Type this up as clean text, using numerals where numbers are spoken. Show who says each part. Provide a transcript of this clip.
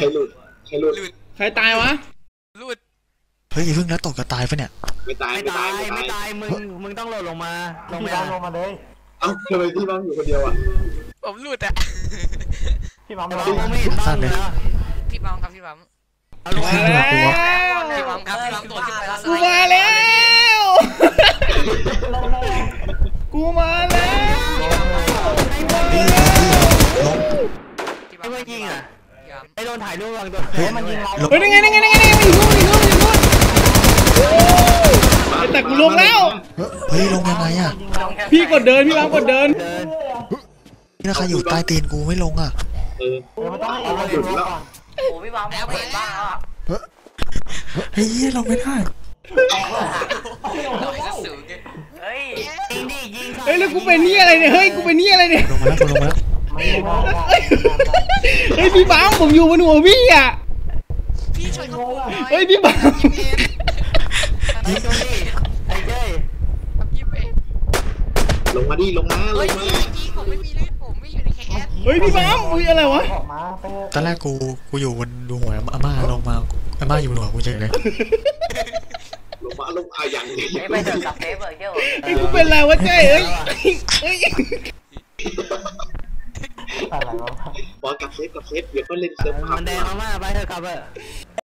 Speaker 1: รหลุด
Speaker 2: ใครตายวะ
Speaker 3: หลุด
Speaker 4: เฮ้ยเพิ่งแล้วตกจะตายปะเนี่ย
Speaker 1: ไม่ตาย
Speaker 5: มึงต้องโหลดลงมาลงมาเลย
Speaker 1: เอ้าทำไมพี่บ้างอยู่คนเดียวอ่ะ
Speaker 3: ผมหลุดอ่ะ
Speaker 5: พี่บัมไม่เห็นบ้างเลย
Speaker 3: พี่บัมครับพี่บัม
Speaker 2: มาแล้ว
Speaker 3: พี่บัมครับพี่บัมตัวขึ้นไปแล้ว
Speaker 2: กูมาแล้วกูมาแล้ว
Speaker 5: ไอ้เมื่อกี้อ่ะไอ้โดนถ่ายรูปวางตัวมันยิงเรา
Speaker 2: เฮ้ยยังไงมันอยู่นู่นแต่กูลงแล้ว
Speaker 4: เฮ้ยลงยังไงอ่ะ
Speaker 2: พี่กดเดินพี่บังกดเดิน
Speaker 4: นี่ถ้าใครอยู่ใต้ตีนกูไม่ลงอ่ะ
Speaker 5: มันต้องให้เราหยุดแล้วโอ้พี่บัมแล้วเห็นบ้างอ่ะ
Speaker 4: เฮ้ยลงไม่ได้
Speaker 5: เฮ้ย
Speaker 2: แล้วกูเป็นนี่อะไรเนี่ยเฮ้ยกูเป็นนี่อะไรเนี่ย
Speaker 4: ลงมาแล้ว
Speaker 2: เฮ้ยพี่บังผมอยู่บนหัวพี่อ่ะ
Speaker 3: พี่ช่วยเขา
Speaker 2: เฮ้ยพี่บัง
Speaker 5: ไอ้เจ้
Speaker 1: ลงมาดิลงมา
Speaker 3: ผมไม่มีเลือดผมไม่อยู่ในแคส
Speaker 2: เฮ้ยพี่บังอุ้ยอะไรวะ
Speaker 4: ตอนแรกกูอยู่บนดูหัวอาม่าลงมาอาม่าอยู่บนหัวกูเฉยเลย
Speaker 1: ลงมาอย่างนี้
Speaker 5: ไม่เดินกับเฟเบอร์เจ้า
Speaker 2: ไอ้กูเป็นอะไรวะเจ้เอ้ย
Speaker 5: อะไรวะ
Speaker 1: บอกกับเซฟเดี๋ยวก็เล่นเซิร์ฟ
Speaker 5: มันแดงมากไปเถอะครับ